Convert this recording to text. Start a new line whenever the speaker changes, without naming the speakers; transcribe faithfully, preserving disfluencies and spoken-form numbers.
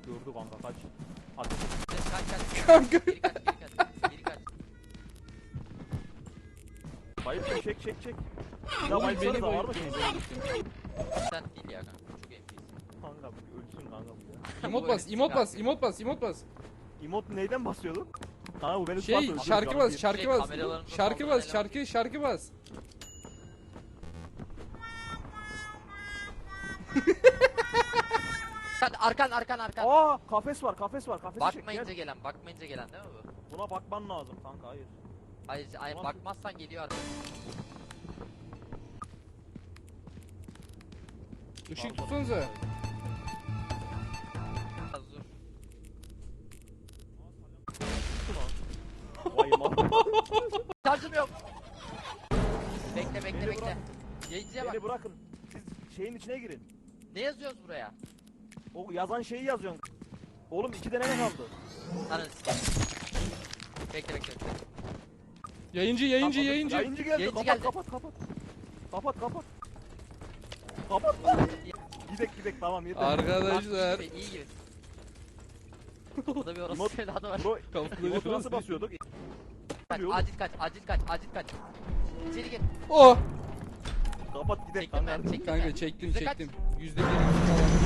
Gördü kanka kaç. Ateş.
Kaç kaç.
Kanka.
Geri kaç geri kaç. Geri kaç.
Bayıp çek çek çek. Ya
Oğlum
bayıp
beni
var mı
bayılttın.
şey?
Sen değil ya kanka. Çok M P'sin.
Kanka ölsün kanka bu ya.
Emot bas, emot bas, emot bas, emot bas.
Emot neyden basıyordun? Kanka bu beni
Şey,
tutarsa
şarkı
canım
bas,
bir-
şarkı
Şey,
bas.
kameralarımıza
Şarkı
saldıran
bas, şarkı, şarkı bas.
Sen arkan arkan arkan.
Aa kafes var kafes var kafesi çek
Bakmayınca
gel.
gelen, bakmayınca gelen değil mi bu?
Buna bakman lazım kanka hayır.
Hayır, hayır
Tamam.
bakmazsan geliyor artık.
Işık tutsanıza.
Az dur.
Vay mal.
Şarjım yok. Bekle bekle
Beni
bekle.
bırak.
Yayıncıya bak.
Beni bırakın. Siz şeyin içine girin.
Ne yazıyoruz buraya?
O yazan şeyi yazıyorsun. Oğlum iki tane ne kaldı?
Ananı sikeyim. Bekle bekle bekle.
Yayıncı, yayıncı,
Kapat.
yayıncı.
Yayıncı geldi.
Yayıncı
kapat,
geldi.
kapat kapat kapat. Kapat kapat. Kapat. Gidek gidek tamam yeter.
Arkadaşlar.
İyi gibi, iyi gibi. Burada bir orası
Emot-
evladı var.
Bro,
Kapıları
emotu nasıl
nasıl
basıyorduk?
Kaç, acil kaç, acil kaç, acil kaç. İçeri gir.
Oh!
Kapat gidek
Çektim ben,
kanka.
çektim
Kanka
ben.
çektim,
Yüzde kaç?
çektim. Yüzde bir falan.